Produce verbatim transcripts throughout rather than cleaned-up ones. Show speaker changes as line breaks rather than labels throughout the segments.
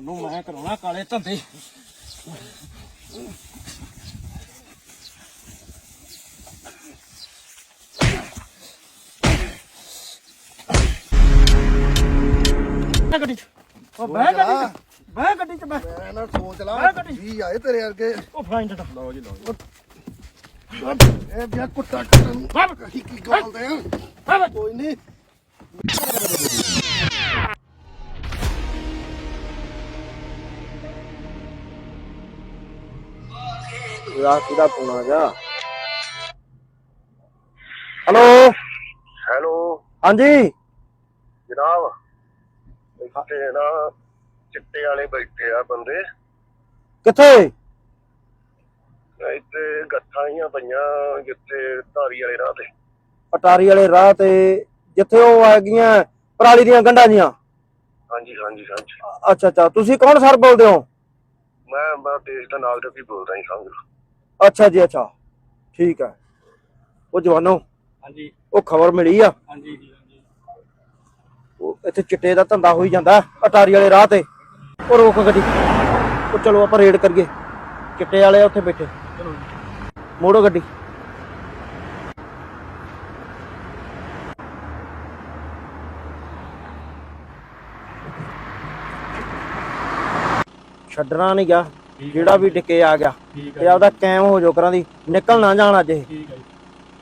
ਉਹਨੂੰ ਮੈਂ ਕਰਾਉਣਾ ਕਾਲੇ ਧੰਦੇ। ਗੱਡੀ ਚ ਉਹ ਬਹਿ ਗੱਡੀ ਚ ਬਹਿ ਗੱਡੀ ਚ ਬਹਿ।
ਮੈਂ ਨਾ ਸੋਚ ਲਾ ਵੀ ਆਏ ਤੇਰੇ ਵਰਗੇ।
ਉਹ ਫਾਈਨ ਡਟਾ
ਲਓ ਜੀ ਲਓ ਇਹ ਬਿਆ ਕੁੱਤਾ ਕਰਨ ਕੀ ਕੀ ਗਾਲਦੇ ਆ ਕੋਈ ਨਹੀਂ। ਯਾਰ ਕਿਹਦਾ ਫੋਨ ਆ ਗਿਆ? ਹੈਲੋ
ਹੈਲੋ
ਹਾਂਜੀ
ਜਨਾਬ, ਇੱਥੇ ਨਾ ਚਿੱਟੇ ਵਾਲੇ ਬੈਠੇ ਆ ਬੰਦੇ।
ਕਿੱਥੇ?
ਇੱਥੇ ਗੱਠਾਂ ਹੀ ਪਈਆਂ ਜਿੱਥੇ ਧਾਰੀ ਵਾਲੇ ਰਾਹ ਤੇ।
ਅਟਾਰੀ ਵਾਲੇ ਰਾਹ ਤੇ ਜਿੱਥੇ ਉਹ ਹੈਗੀਆਂ ਪਰਾਲੀ ਦੀਆਂ ਗੰਢਾਂ ਜੀਆਂ?
ਹਾਂਜੀ ਹਾਂਜੀ ਹਾਂਜੀ।
ਅੱਛਾ ਅੱਛਾ, ਤੁਸੀਂ ਕੌਣ ਸਰ ਬੋਲਦੇ ਹੋ?
ਮੈਂ ਮੈਂ ਦੇਸ਼ ਦਾ ਨਾਲ ਤੇ ਬੋਲਦਾ ਜੀ ਸਮਝ ਲਓ।
ਅੱਛਾ ਜੀ ਅੱਛਾ, ਠੀਕ ਹੈ। ਉਹ ਜਵਾਨੋ
ਹਾਂਜੀ
ਉਹ ਖਬਰ ਮਿਲੀ ਆ
ਹਾਂਜੀ ਜੀ ਹਾਂਜੀ।
ਉਹ ਇੱਥੇ ਚਿੱਟੇ ਦਾ ਧੰਦਾ ਹੋਈ ਜਾਂਦਾ ਅਟਾਰੀ ਵਾਲੇ ਰਾਹ ਤੇ। ਉਹ ਰੋਕ ਗੱਡੀ, ਉਹ ਚਲੋ ਆਪਾਂ ਰੇਡ ਕਰੀਏ। ਚਿੱਟੇ ਵਾਲੇ ਉੱਥੇ ਬੈਠੇ,
ਚਲੋ
ਮੋੜੋ ਗੱਡੀ। ਛੱਡਣਾ ਨਹੀਂ ਗਾ, ਜਿਹੜਾ ਵੀ ਡਿੱਕੇ ਆ ਗਿਆ ਤੇ ਆਪਦਾ ਕਾਇਮ ਹੋ ਜਾਓ, ਕਰਾਂ ਦੀ ਨਿਕਲ ਨਾ ਜਾਣ ਅੱਜ ਇਹ।
ਠੀਕ ਹੈ ਜੀ।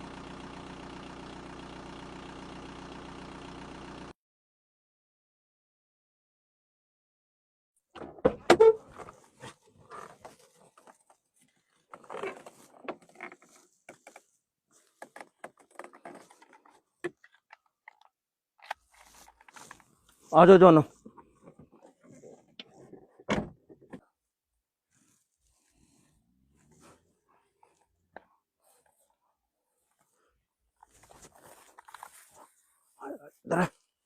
ਆ ਜਾਓ ਜਵਾਨੋ। ਇੱਧਰ ਆ।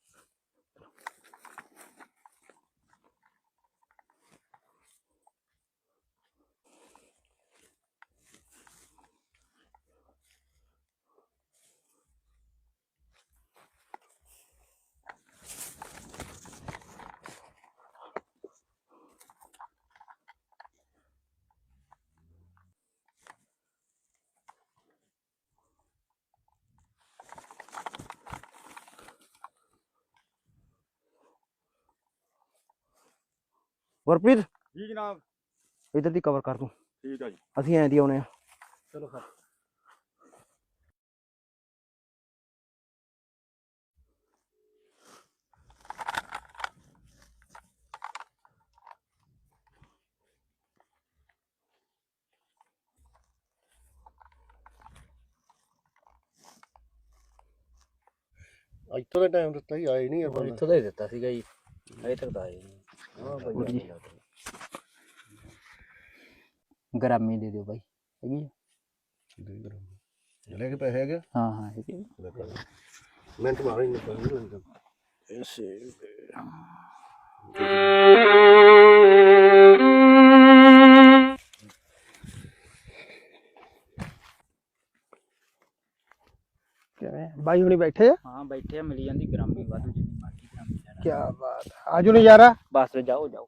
ਗੁਰਪ੍ਰੀਤ
ਜੀ ਜਨਾਬ।
ਇੱਧਰ ਦੀ ਕਵਰ ਕਰ ਤੂੰ,
ਠੀਕ ਹੈ ਜੀ।
ਅਸੀਂ ਐਂ ਦੀ ਆਉਣੇ ਆ।
ਚਲੋ ਸਰ।
ਇੱਥੋਂ ਦਾ ਟਾਈਮ ਦਿੱਤਾ ਹੀ ਆਏ ਨਹੀਂ ਯਾਰ।
ਇੱਥੋਂ ਦਾ ਹੀ ਦਿੱਤਾ ਸੀਗਾ ਜੀ, ਅਜੇ ਤੱਕ ਤਾਂ ਆਏ ਨਹੀਂ। ਹਾਂ ਬਾਈ
ਗ੍ਰਾਮੀ ਦੇ ਦਿਓ ਬਾਈ, ਹੈਗੀ ਆ?
ਲੈ ਕੇ ਪੈਸੇ ਹੈਗੇ?
ਹਾਂ ਹਾਂ ਹੈਗੀ।
ਮਿੰਟ ਮਾਰੋ ਹੀ ਨਹੀਂ।
ਕਿਵੇਂ ਬਾਈ ਹੁਣੀ ਬੈਠੇ ਆ?
ਹਾਂ ਬੈਠੇ ਆ, ਮਿਲੀ ਜਾਂਦੀ ਗ੍ਰਾਮੀ ਵਾਧੂ ਜਿੰਨੀ ਮਰਜ਼ੀ ਗ੍ਰਾਮੀ ਲੈਣਾ।
ਕੀ ਬਾਤ, ਆਜੋ ਨਜ਼ਾਰਾ।
ਬਸ ਜਾਓ ਜਾਓ।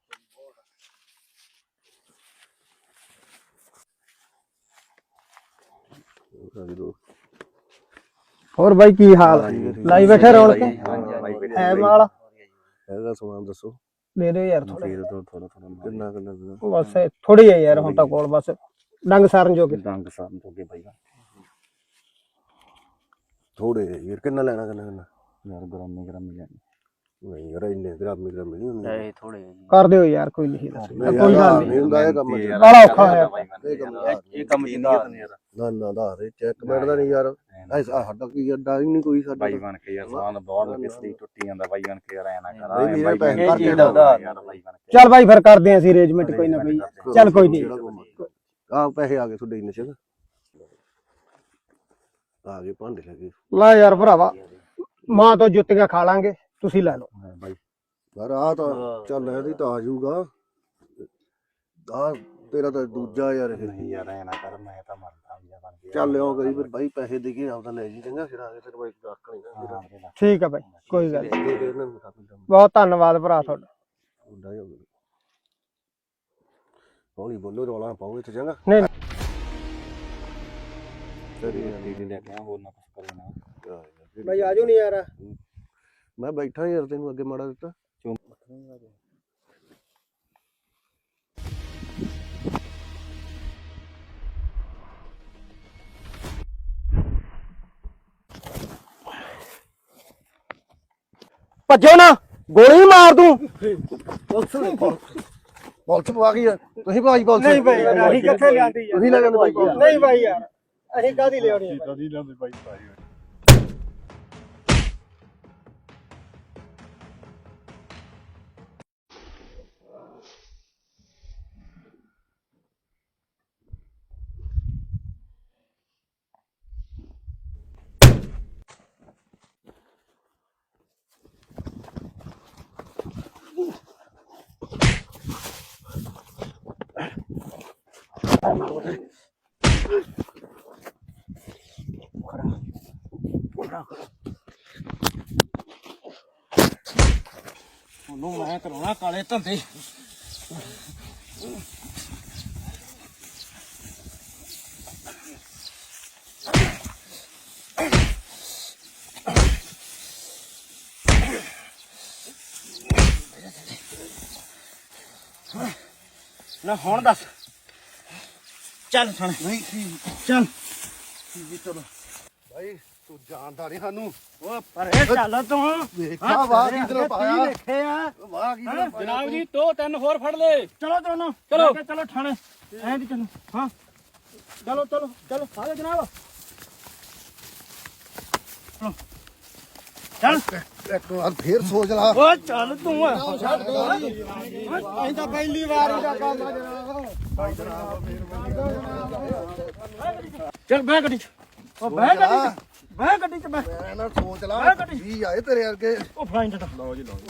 ਹੋਰ ਬਾਈ ਕੀ ਹਾਲ? ਲਾਈ ਬੈਠੇ ਰੌਣਕ ਹੈ ਮਾਲ?
ਹੈਗਾ ਸਮਾਨ ਦੱਸੋ।
ਦੇ ਦਿਓ ਯਾਰ ਥੋੜਾ
ਥੋੜਾ ਥੋੜਾ ਕਿੰਨਾ ਕਿੰਨਾ
ਬਸ ਥੋੜੀ ਹੈ ਯਾਰ ਹੁਣ ਤਾਂ ਕੋਲ, ਬਸ ਡੰਗ ਸਾਰਨ ਜੋਗੇ।
ਡੰਗ ਸਾਰਨ ਜੋਗੇ ਬਾਈ ਥੋੜੇ ਯਾਰ। ਕਿੰਨਾ ਲੈਣਾ ਕਿੰਨਾ ਕਿੰਨਾ
ਯਾਰ ਗ੍ਰਾਮੀ ਗ੍ਰਾਮੀ ਲੈਣੀ
ਨਹੀਂ ਯਾਰ, ਇੰਨੇ ਗ੍ਰਾਮੀ ਗ੍ਰਾਮੀ ਨਹੀਂ ਹੁੰਦੇ।
ਇਹ ਥੋੜੇ
ਕਰ ਦਿਓ ਯਾਰ, ਕੋਈ ਨਹੀਂ ਦੱਸ ਕੋਈ ਗੱਲ
ਨਹੀਂ ਹੁੰਦਾ ਇਹ ਕੰਮ।
ਬੜਾ ਔਖਾ ਹੋਇਆ
ਇਹ ਕੰਮ
ਇਹ ਕੰਮ ਜਿੰਨੀ
ਨਾ ਨਾ ਦਾ ਰੇ ਚੈੱਕ ਬੈਠਦਾ ਨਹੀਂ ਯਾਰ। ਐ ਸਾਡਾ ਕੀ ਅੱਡਾ ਹੀ ਨਹੀਂ ਕੋਈ ਸਾਡਾ।
ਬਾਈ ਬਣ ਕੇ ਯਾਰ ਸਾਨ ਬਹੁਤ ਕਿਸਦੀ ਟੁੱਟੀ ਜਾਂਦਾ ਬਾਈ ਬਣ ਕੇ ਯਾਰ ਐ ਨਾ ਕਰ।
ਬਾਈ ਵੀਰੇ ਪੈਸੇ
ਇਹ
ਭਰ
ਚੀਜ਼
ਕੇ
ਦਾ ਉਧਾਰ ਯਾਰ ਬਾਈ ਬਣ ਕੇ।
ਚੱਲ ਬਾਈ ਫਿਰ ਕਰਦੇ ਆਂ ਅਸੀਂ ਅਰੇਂਜਮੈਂਟ ਕੋਈ ਨਾ ਕੋਈ। ਚੱਲ ਕੋਈ ਨਹੀਂ,
ਆ ਪੈਸੇ ਆ ਗਏ ਤੁਹਾਡੇ ਇੰਨੇ ਚ ਆ ਗਏ ਭਾਂਡੇ ਲੱਗੇ।
ਲੈ ਯਾਰ ਭਰਾਵਾ, ਮਾਂ ਤੋਂ ਜੁੱਤੀਆਂ ਖਾ ਲਾਂਗੇ, ਤੁਸੀਂ ਲੈ ਲਓ
ਬਾਈ।
ਪਰ ਆ ਤਾਂ ਚੱਲ ਇਹਦੀ ਤਾਂ ਆ ਜਾਊਗਾ। ਆ ਤੇਰਾ ਤਾਂ ਦੂਜਾ ਯਾਰ ਇਹ।
ਨਹੀਂ ਯਾਰ ਐ ਨਾ ਕਰ, ਮੈਂ ਤਾਂ ਮਰਦਾ ਵੀ ਬਣ ਕੇ।
ਚੱਲ ਆਓ ਕਰੀ ਫਿਰ ਬਾਈ, ਪੈਸੇ ਦੇ ਕੇ ਆਪਦਾ ਲੈ ਜੀ ਚੰਗਾ। ਫਿਰ ਆ ਕੇ ਫਿਰ ਬਾਈ ਰੱਖ ਨਹੀਂ ਨਾ।
ਠੀਕ ਆ ਬਾਈ, ਕੋਈ ਗੱਲ ਨੀ।
ਦੇ ਦੇ ਇਹਨਾਂ ਨੂੰ
ਬਹੁਤ ਧੰਨਵਾਦ ਭਰਾ ਤੁਹਾਡਾ।
ਮੁੰਡਾ ਹੀ ਹੋ ਗਿਆ। ਹੌਲੀ ਬੋਲੋ, ਰੌਲਾ ਪਾਓ ਇੱਥੇ ਚੰਗਾ।
ਨਹੀਂ
ਤੇਰੀ
ਦੀਦੀ ਲੈ ਕੇ ਆ ਹੋਰ ਨਾ ਕੁਛ ਕਰੇ ਨਾ
ਬਾਈ ਆਜੋ ਨਹੀਂ ਯਾਰ।
ਮੈਂ ਬੈਠਾ ਯਾਰ, ਤੈਨੂੰ ਅੱਗੇ ਮਾੜਾ ਦਿੱਤਾ।
ਭੱਜੋ ਨਾ, ਗੋਲੀ ਮਾਰ ਦੂੰ।
ਪੁਲਿਸ ਨੇ ਪੁਲਿਸ ਪਵਾ ਗਈ ਆ। ਤੁਸੀਂ ਭਾਈ ਪੁਲਿਸ
ਨਹੀਂ ਬਾਈ ਯਾਰ, ਅਸੀਂ ਕਿੱਥੇ ਲਿਆਂਦੀ ਯਾਰ।
ਤੁਸੀਂ ਲੈ ਜਾਂਦੇ ਭਾਈ ਪੁਲਿਸ।
ਨਹੀਂ ਬਾਈ ਯਾਰ, ਅਸੀਂ ਕਾਹਦੀ ਲਿਆਉਣੀ ਹੈ
ਨਹੀਂ ਲਾਉਂਦੇ ਬਾਈ ਭਾਈ
ਉਹਨੂੰ ਮੈਂ ਕਰਾਉਣਾ ਕਾਲੇ ਧੰਦੇ। ਨਾ ਹੁਣ ਦੱਸ, ਚੱਲ ਥਾਣੇ।
ਨਹੀਂ
ਚੱਲ
ਚਲੋ ਭਾਈ, ਤੂੰ ਜਾਣਦਾ ਨਹੀਂ ਸਾਨੂੰ।
ਉਹ ਪਰੇ ਚੱਲ ਤੂੰ।
ਵੇਖਾ ਵਾਹ ਕੀ ਤਰ੍ਹਾਂ ਪਾਇਆ,
ਦੇਖੇ ਆ।
ਵਾਹ ਕੀ ਤਰ੍ਹਾਂ ਪਾਇਆ।
ਜਨਾਬ ਜੀ ਦੋ ਤਿੰਨ ਹੋਰ ਫੜ ਲੈ।
ਚਲੋ ਦੋਨੋਂ
ਚਲੋ।
ਲੈ ਕੇ ਚਲੋ ਥਾਣੇ। ਐਂ ਦੀ ਚਲੋ। ਹਾਂ ਚਲੋ ਚਲੋ ਚਲੋ ਆਜੋ ਜਨਾਬ। ਚਲੋ ਚੱਲ।
ਇੱਕ ਵਾਰ ਫੇਰ ਸੋਚ ਲਾ।
ਓ ਚੱਲ ਤੂੰ।
ਅਸੀਂ ਤਾਂ ਪਹਿਲੀ ਵਾਰ ਇਹਦਾ ਕੰਮ ਆ ਜਨਾਬ।
ਚੱਲ ਬਹਿ ਗੱਡੀ ਚ। ਉਹ ਬਹਿ ਗੱਡੀ ਚ, ਬਹਿ ਗੱਡੀ ਚ ਬਹਿ।
ਮੈਂ ਨਾ ਸੋਚ ਲਾ,
ਮੈਂ ਕੱਢੀ।
ਜੀ ਆਏ ਤੇਰੇ ਵਰਗੇ।
ਉਹ ਫਾਈਨ ਦਾ
ਲਓ ਜੀ ਲਓ।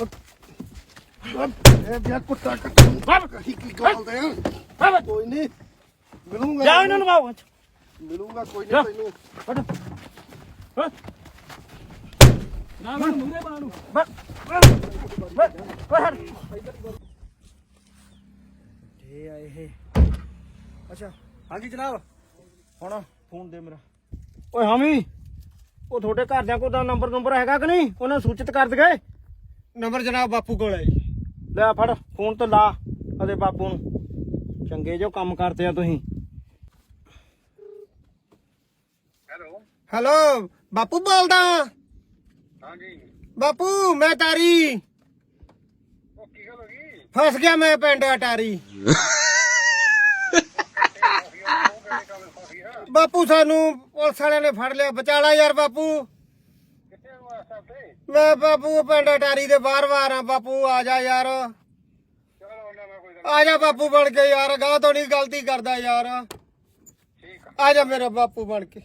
ਇਹ ਬਿਆ ਕੁੱਤਾ ਕੱਟੂ ਕੀ ਕੀ ਗਾਲਦੇ ਆ। ਕੋਈ ਨਹੀਂ ਮਿਲੂੰਗਾ,
ਜਾ ਇਹਨਾਂ ਨੂੰ ਬਾਹਰ।
ਮਿਲੂੰਗਾ ਕੋਈ ਨਹੀਂ ਤੈਨੂੰ।
ਫੜ ਫੜ
ਨਾ ਮੈਂ ਮੂਰੇ ਬਣਾ ਨੂੰ।
ਬਸ ਬਸ ਬਸ ਇਹ ਆ ਇਹ। ਅੱਛਾ ਹਾਂਜੀ ਜਨਾਬ, ਹੁਣ ਫੋਨ ਦੇ ਮੇਰਾ। ਓਏ ਹਾਮੀ, ਉਹ ਤੁਹਾਡੇ ਘਰਦਿਆਂ ਕੋਲ ਦਾ ਨੰਬਰ ਨੰਬਰ ਹੈਗਾ ਕਿ ਨਹੀਂ? ਉਹਨਾਂ ਸੂਚਿਤ ਕਰ ਦਗੇ।
ਨੰਬਰ ਜਨਾਬ ਬਾਪੂ ਕੋਲ ਹੈ ਜੀ।
ਲੈ ਫੜ ਫੋਨ ਤੇ ਲਾ ਅਦੇ ਬਾਪੂ ਨੂੰ। ਚੰਗੇ ਜੋ ਕੰਮ ਕਰਦੇ ਆ ਤੁਸੀਂ।
ਹੈਲੋ ਬਾਪੂ ਬੋਲਦਾ।
ਹਾਂਜੀ
ਬਾਪੂ ਮੈਂ ਟਾਰੀ
ਉਹ ਕੀ ਗੱਲ ਹੋ ਗਈ?
ਫਸ ਗਿਆ, ਮੈਂ ਪਿੰਡ ਅਟਾਰੀ। ਬਾਪੂ ਸਾਨੂੰ ਪੁਲਿਸ ਵਾਲਿਆਂ ਨੇ ਫੜ ਲਿਆ, ਬਚਾਲਾ ਯਾਰ ਬਾਪੂ।
ਕਿੱਥੇ ਹੋ ਇਸ ਹਫ਼ਤੇ?
ਮੈਂ ਬਾਪੂ ਪਿੰਡ ਅਟਾਰੀ ਦੇ ਬਾਹਰ ਬਾਹਰ ਆ ਬਾਪੂ, ਆ ਜਾ ਯਾਰ।
ਚਲੋ ਉਹਨਾਂ ਮੈਂ ਕੋਈ ਗੱਲ
ਆ ਜਾ ਬਾਪੂ ਬਣ ਕੇ ਯਾਰ, ਗਾਂ ਤੋਂ ਨਹੀਂ ਗਲਤੀ ਕਰਦਾ ਯਾਰ।
ਠੀਕ ਆ।
ਆ ਜਾ ਮੇਰਾ ਬਾਪੂ ਬਣ ਕੇ।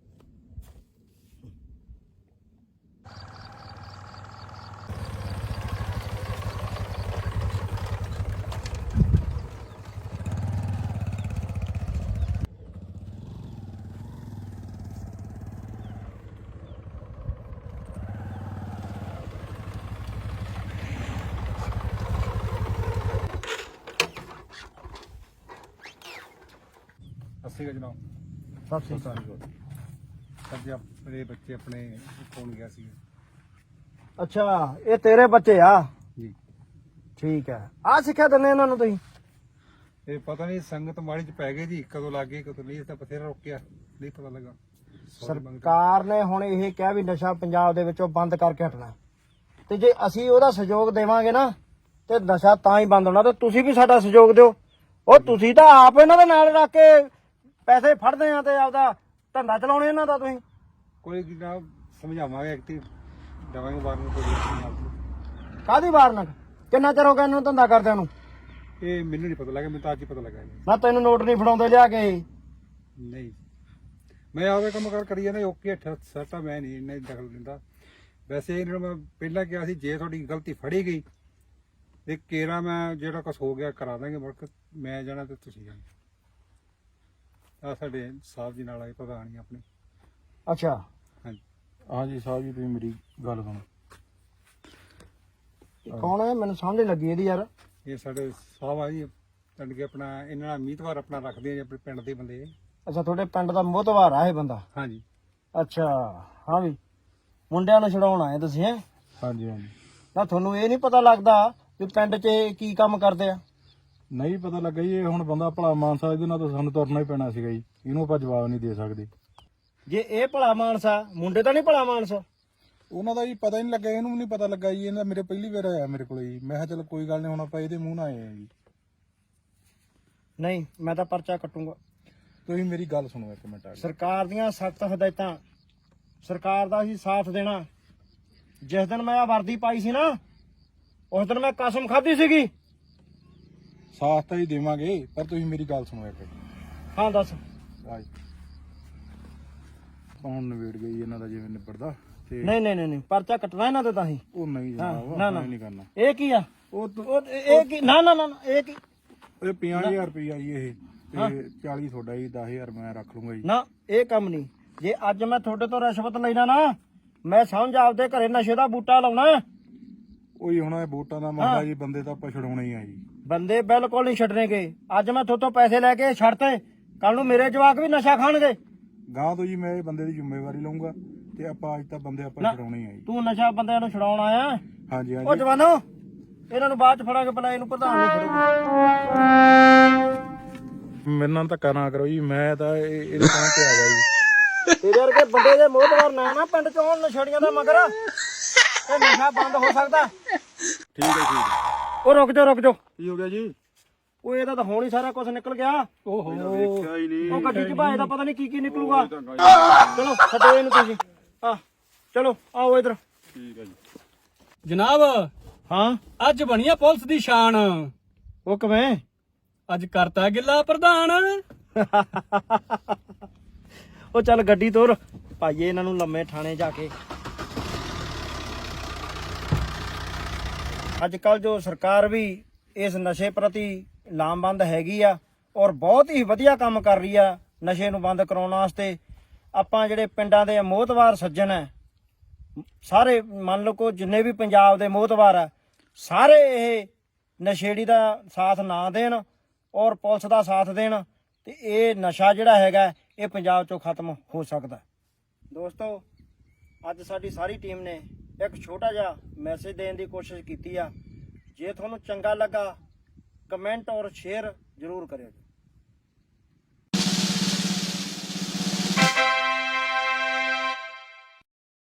ਅਸੀਂ ਜਨਾਬ
ਸਤਿ ਸ੍ਰੀ ਅਕਾਲ।
ਸਾਡੇ ਆਪਣੇ ਬੱਚੇ ਆਪਣੇ ਫੋਨ ਗਿਆ ਸੀ
ਅੱਛਾ ਇਹ ਤੇਰੇ ਬੱਚੇ ਆ?
ਜੀ।
ਠੀਕ ਹੈ। ਆ ਸਿੱਖਿਆ ਦਿੰਦੇ ਇਹਨਾਂ ਨੂੰ ਤੁਸੀਂ?
ਇਹ ਪਤਾ ਨਹੀਂ ਸੰਗਤ ਮਾੜੀ ਚ ਪੈ ਗਏ ਜੀ, ਕਦੋਂ ਲੱਗ ਗਏ ਕਦੋਂ ਨਹੀਂ, ਇਸ ਦਾ ਬਥੇਰਾ ਰੋਕਿਆ, ਨਹੀਂ ਪਤਾ ਲੱਗਾ।
ਸਰਕਾਰ ਨੇ ਹੁਣ ਇਹ ਕਿਹਾ ਵੀ ਨਸ਼ਾ ਪੰਜਾਬ ਦੇ ਵਿੱਚੋਂ ਬੰਦ ਕਰਕੇ ਹਟਣਾ, ਤੇ ਜੇ ਅਸੀਂ ਉਹਦਾ ਸਹਿਯੋਗ ਦੇਵਾਂਗੇ ਨਾ ਤੇ ਨਸ਼ਾ ਤਾਂ ਹੀ ਬੰਦ ਹੋਣਾ। ਤੇ ਤੁਸੀਂ ਵੀ ਸਾਡਾ ਸਹਿਯੋਗ ਦਿਓ। ਉਹ ਤੁਸੀਂ ਤਾਂ ਆਪ ਇਹਨਾਂ ਦੇ ਨਾਲ ਰੱਖ ਕੇ ਪੈਸੇ ਫੜਦੇ ਆ ਤੇ ਆਪਦਾ ਧੰਦਾ ਚਲਾਉਣੇ ਇਹਨਾਂ ਦਾ। ਤੁਸੀਂ
ਕੋਈ ਜਨਾਬ ਸਮਝਾਵਾਂਗੇ, ਐਕਟਿਵ ਦਵਾਂਗੇ ਬਾਹਰ ਨੂੰ ਕੋਈ।
ਕਾਹਦੀ ਵਾਰਨਕ? ਕਿੰਨਾ ਚਿਰ ਹੋ ਗਿਆ ਇਹਨਾਂ ਨੂੰ ਧੰਦਾ ਕਰਦਿਆਂ ਨੂੰ?
ਇਹ ਮੈਨੂੰ ਨਹੀਂ ਪਤਾ ਲੱਗਾ, ਮੈਨੂੰ ਤਾਂ ਅੱਜ ਹੀ ਪਤਾ ਲੱਗਾ ਜੀ।
ਨਾ ਤੈਨੂੰ ਨੋਟ ਨਹੀਂ ਫੜਾਉਂਦੇ ਲਿਆ ਕੇ?
ਨਹੀਂ ਮੈਂ ਆਪੇ ਕੰਮ ਕਰ ਕਰੀ ਜਾਂਦਾ, ਓਕੇ ਸਰਟਾ ਮੈਂ ਨਹੀਂ ਇੰਨਾ ਦਖਲ ਦਿੰਦਾ। ਵੈਸੇ ਇਹਨਾਂ ਨੂੰ ਮੈਂ ਪਹਿਲਾਂ ਕਿਹਾ ਸੀ, ਜੇ ਤੁਹਾਡੀ ਗਲਤੀ ਫੜੀ ਗਈ ਤੇ ਕੇਰਾ ਮੈਂ ਜਿਹੜਾ ਕੁਛ ਹੋ ਗਿਆ ਕਰਾ ਦਾਂਗੇ, ਮੁੜ ਮੈਂ ਜਾਣਾ ਤੇ ਤੁਸੀਂ ਜਾਣਾ। ਆ ਸਾਡੇ ਸਾਹਿਬ ਜੀ ਨਾਲ ਆਏ ਪ੍ਰਧਾਨ ਜੀ ਆਪਣੇ।
ਅੱਛਾ
ਹਾਂਜੀ
ਹਾਂਜੀ ਸਾਹਿਬ ਜੀ, ਤੁਸੀਂ ਮੇਰੀ ਗੱਲ ਸੁਣੋ। ਕੌਣ ਹੈ? ਮੈਨੂੰ ਸਮਝ ਨਹੀਂ ਲੱਗੀ ਇਹਦੀ ਯਾਰ।
ਇਹ ਸਾਡੇ ਸਾਹਿਬ ਆ ਜੀ ਜਾਣੀ ਕਿ ਆਪਣਾ ਇਹਨਾਂ ਨਾਲ ਮੀਤਵਾਰ ਆਪਣਾ ਰੱਖਦੇ ਆ ਜੀ ਆਪਣੇ ਪਿੰਡ ਦੇ ਬੰਦੇ।
ਅੱਛਾ ਤੁਹਾਡੇ ਪਿੰਡ ਦਾ ਮੋਹਤਵਾਰ ਆ ਇਹ ਬੰਦਾ?
ਹਾਂਜੀ
ਅੱਛਾ ਹਾਂ ਵੀ ਮੁੰਡਿਆਂ ਨੂੰ ਛਡਾਉਣ ਆਏ ਤੁਸੀਂ ਹੈ?
ਹਾਂਜੀ ਹਾਂਜੀ
ਨਾ ਤੁਹਾਨੂੰ ਇਹ ਨਹੀਂ ਪਤਾ ਲੱਗਦਾ ਵੀ ਪਿੰਡ 'ਚ ਇਹ ਕੀ ਕੰਮ ਕਰਦੇ ਆ?
ਨਹੀਂ ਪਤਾ ਲੱਗਾ ਜੀ, ਇਹ ਹੁਣ ਬੰਦਾ ਭਲਾ ਮਾਨਸਾ ਇਹਦੇ ਨਾਲ ਤਾਂ ਸਾਨੂੰ ਤੁਰਨਾ ਹੀ ਪੈਣਾ ਸੀਗਾ ਜੀ, ਇਹਨੂੰ ਆਪਾਂ ਜਵਾਬ ਨਹੀਂ ਦੇ ਸਕਦੇ।
ਜੇ ਇਹ ਭਲਾ ਮਾਨਸ ਆ, ਮੁੰਡੇ ਤਾਂ ਨਹੀਂ ਭਲਾ ਮਾਨਸ?
ਉਹਨਾਂ ਦਾ ਜੀ ਪਤਾ ਹੀ ਨਹੀਂ ਲੱਗਾ, ਇਹਨੂੰ ਵੀ ਨਹੀਂ ਪਤਾ ਲੱਗਾ ਜੀ, ਇਹਦਾ ਮੇਰੇ ਪਹਿਲੀ ਵਾਰ ਆਇਆ ਮੇਰੇ ਕੋਲ ਜੀ। ਮੈਂ ਕਿਹਾ ਚਲ ਕੋਈ ਗੱਲ ਨਹੀਂ, ਹੁਣ ਆਪਾਂ ਇਹਦੇ ਮੂੰਹ ਨਾਲ ਆਏ ਆ ਜੀ।
ਨਹੀਂ ਮੈਂ ਤਾਂ ਪਰਚਾ ਕੱਟੂੰਗਾ।
ਤੁਸੀਂ ਮੇਰੀ ਗੱਲ ਸੁਣੋ ਇੱਕ ਮਿੰਟ ਆ ਕੇ।
ਸਰਕਾਰ ਦੀਆਂ ਸਖਤ ਹਦਾਇਤਾਂ, ਸਰਕਾਰ ਦਾ ਅਸੀਂ ਸਾਥ ਦੇਣਾ। ਜਿਸ ਦਿਨ ਮੈਂ ਆ ਵਰਦੀ ਪਾਈ ਸੀ ਨਾ, ਉਸ ਦਿਨ ਮੈਂ ਕਸਮ ਖਾਧੀ ਸੀਗੀ।
ਸਾਥ ਤਾਂ ਹੀ ਦੇਵਾਂਗੇ, ਪਰ ਤੁਸੀਂ ਮੇਰੀ ਗੱਲ ਸੁਣੋ ਇੱਕ।
ਹਾਂ ਦੱਸ।
ਆਜ ਕੌਣ ਨਵੇੜ ਗਈ ਇਹਨਾਂ ਦਾ ਜਿਵੇਂ ਨਿਬੜਦਾ ਤੇ
ਨਹੀਂ ਨਹੀਂ ਨਹੀਂ ਨਹੀਂ, ਪਰਚਾ ਕੱਟਣਾ ਇਹਨਾਂ ਤੇ ਤਾਂ ਹੀ।
ਉਹ ਨਹੀਂ
ਹਾਂ,
ਜਨਾਬ,
ਨਾ
ਆਪਾਂ
ਨਾ
ਇਹ ਨਹੀਂ ਕਰਨਾ।
ਇਹ ਕੀ ਆ?
ਉਹ
ਉਹ ਇਹ ਕੀ? ਨਾ ਨਾ ਨਾ ਨਾ, ਇਹ ਕੀ?
ਇਹ ਪੰਜਾਹ ਹਜ਼ਾਰ ਰੁਪਈਆ ਜੀ ਇਹ, ਤੇ ਚਾਲੀ ਤੁਹਾਡਾ ਜੀ, ਦਸ ਹਜ਼ਾਰ ਮੈਂ ਰੱਖ ਲੂੰਗਾ ਜੀ।
ਨਾ ਇਹ ਕੰਮ ਨਹੀਂ। ਜੇ ਅੱਜ ਮੈਂ ਤੁਹਾਡੇ ਤੋਂ ਰਿਸ਼ਵਤ ਲੈਣਾ ਨਾ, ਮੈਂ ਸਮਝ ਆਪਦੇ ਘਰੇ ਨਸ਼ੇ ਦਾ ਬੂਟਾ ਲਾਉਣਾ।
ਉਹੀ ਹੁਣ ਇਹ ਵੋਟਾਂ ਦਾ ਮਸਲਾ ਜੀ, ਬੰਦੇ ਤਾਂ ਆਪਾਂ ਛਡਾਉਣੇ ਹੀ ਆ ਜੀ।
ਬੰਦੇ ਬਿਲਕੁਲ ਨਹੀਂ ਛੱਡਣਗੇ। ਅੱਜ ਮੈਂ ਤੁਹਾਡੇ ਤੋਂ ਪੈਸੇ ਲੈ ਕੇ ਛੱਡਤੇ, ਕੱਲ ਨੂੰ ਮੇਰੇ ਜਵਾਕ ਵੀ ਨਸ਼ਾ ਖਾਣਗੇ।
ਗਾਂ ਤੋਂ ਜੀ ਮੈਂ ਇਹ ਬੰਦੇ ਦੀ ਜ਼ਿੰਮੇਵਾਰੀ ਲਵਾਂਗਾ, ਤੇ ਆਪਾਂ ਅੱਜ ਤਾਂ ਬੰਦੇ ਆਪਾਂ ਛਡਾਉਣੇ ਹੀ ਆ ਜੀ।
ਤੂੰ ਨਸ਼ਾ ਬੰਦਿਆਂ ਨੂੰ ਛਡਾਉਣ ਆਇਆ?
ਹਾਂਜੀ
ਉਹ
ਹਾਂਜੀ
ਜਵਾਨੋ, ਇਹਨਾਂ ਨੂੰ ਬਾਅਦ ਚ ਫੜਾਂਗੇ, ਪਹਿਲਾਂ ਇਹਨੂੰ ਪ੍ਰਧਾਨ ਨੂੰ ਫੜੋ।
ਮੇਰੇ ਨਾਲ ਧੱਕਾ ਨਾ ਕਰੋ ਜੀ, ਮੈਂ ਤਾਂ ਇਹ- ਇਹਦੇ ਕੰਮ ਤੇ ਆ ਗਿਆ ਜੀ।
ਤੇਰੇ ਵਰਗੇ ਬੰਦੇ ਦੇ ਮੋਹਤਵਾਰ ਨਾ ਨਾ ਪਿੰਡ ਚ ਹੋਣ ਨਸ਼ੇੜੀਆਂ ਦਾ ਮਗਰ, ਇਹ ਨਸ਼ਾ ਬੰਦ ਹੋ ਸਕਦਾ।
ਠੀਕ ਹੈ ਠੀਕ।
ਉਹ ਰੁਕ ਜਾ ਰੁਕ ਜਾ।
ਕੀ ਹੋ ਗਿਆ ਜੀ?
ਉਹ ਇਹਦਾ ਤਾਂ ਹੁਣ ਹੀ ਸਾਰਾ ਕੁਝ ਨਿਕਲ ਗਿਆ।
ਓਹੋ
ਵੇਖਿਆ ਹੀ ਨਹੀਂ।
ਉਹ ਗੱਡੀ ਚ ਭਾਏ ਦਾ ਪਤਾ ਨਹੀਂ ਕੀ ਕੀ ਨਿਕਲੂਗਾ। ਚਲੋ ਛੱਡੋ ਇਹਨੂੰ ਤੁਸੀਂ। ਆ ਚਲੋ ਆਓ ਇਧਰ।
ਠੀਕ ਹੈ ਜੀ।
ਜਨਾਬ
ਹਾਂ
ਅੱਜ ਬਣੀ ਆ ਪੁਲਿਸ ਦੀ ਸ਼ਾਨ।
ਉਹ ਕਿਵੇਂ?
ਅੱਜ ਕਰਤਾ ਗਿੱਲਾ ਪ੍ਰਧਾਨ।
ਉਹ ਚੱਲ ਗੱਡੀ ਤੋਰ, ਭਾਈਏ ਇਹਨਾਂ ਨੂੰ ਲੰਮੇ ਥਾਣੇ ਜਾ ਕੇ। ਅੱਜ ਕੱਲ ਜੋ ਸਰਕਾਰ ਵੀ ਇਸ ਨਸ਼ੇ ਪ੍ਰਤੀ ਲਾਮਬੰਦ ਹੈਗੀ ਆ, ਔਰ ਬਹੁਤ ਹੀ ਵਧੀਆ ਕੰਮ ਕਰ ਰਹੀ ਆ ਨਸ਼ੇ ਨੂੰ ਬੰਦ ਕਰਾਉਣ ਵਾਸਤੇ। ਆਪਾਂ ਜਿਹੜੇ ਪਿੰਡਾਂ ਦੇ ਮੋਹਤਵਾਰ ਸੱਜਣ ਹੈ, ਸਾਰੇ ਮੰਨ ਲਓ ਕੋ ਜਿੰਨੇ ਵੀ ਪੰਜਾਬ ਦੇ ਮੋਹਤਵਾਰ ਆ, ਸਾਰੇ ਇਹ ਨਸ਼ੇੜੀ ਦਾ ਸਾਥ ਨਾ ਦੇਣ ਔਰ ਪੁਲਿਸ ਦਾ ਸਾਥ ਦੇਣ, ਤੇ ਇਹ ਨਸ਼ਾ ਜਿਹੜਾ ਹੈਗਾ ਇਹ ਪੰਜਾਬ ਚੋਂ ਖਤਮ ਹੋ ਸਕਦਾ। ਦੋਸਤੋ ਅੱਜ ਸਾਡੀ ਸਾਰੀ ਟੀਮ ਨੇ ਇੱਕ ਛੋਟਾ ਜਿਹਾ ਮੈਸੇਜ ਦੇਣ ਦੀ ਕੋਸ਼ਿਸ਼ ਕੀਤੀ ਆ। ਜੇ ਤੁਹਾਨੂੰ ਚੰਗਾ ਲੱਗਾ, ਕਮੈਂਟ ਔਰ ਸ਼ੇਅਰ ਜ਼ਰੂਰ ਕਰਿਓ।